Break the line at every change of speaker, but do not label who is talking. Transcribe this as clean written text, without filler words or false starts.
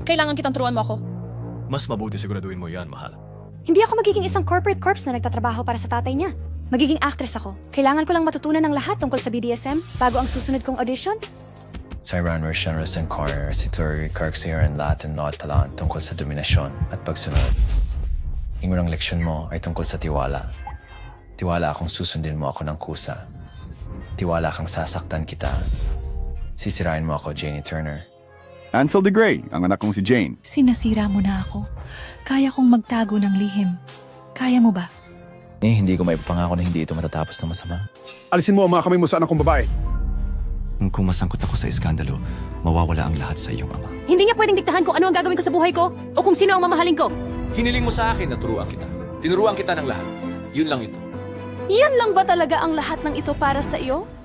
Kailangan kitang turuan mo ako.
Mas mabuti siguraduhin mo yan, mahal.
Hindi ako magiging isang corporate corpse na nagtatrabaho para sa tatay niya. Magiging actress ako. Kailangan ko lang matutunan ng lahat tungkol sa BDSM bago ang susunod kong audition.
Sa Iran, Russian, Russian Corner, si Tori, Kirksiran, lahat ng talaan tungkol sa dominasyon at pagsunod. Ang unang leksyon mo ay tungkol sa tiwala. Tiwala akong susundin mo ako ng kusa. Tiwala kang sasaktan kita. Sisirain mo ako, Janie Turner.
Ansel de Grey, ang anak kong si Jane.
Sinasira mo na ako. Kaya kong magtago ng lihim. Kaya mo ba?
Hindi ko maipapangako na hindi ito matatapos ng masama.
Alisin mo ang mga kamay mo sa anak kong babae.
Kung masangkot ako sa iskandalo, mawawala ang lahat sa iyong ama.
Hindi niya pwedeng diktahan kung ano ang gagawin ko sa buhay ko o kung sino ang mamahalin ko.
Hiniling mo sa akin na turuan kita. Tinuruan kita ng lahat. Yun lang ito.
Yan lang ba talaga ang lahat ng ito para sa iyo?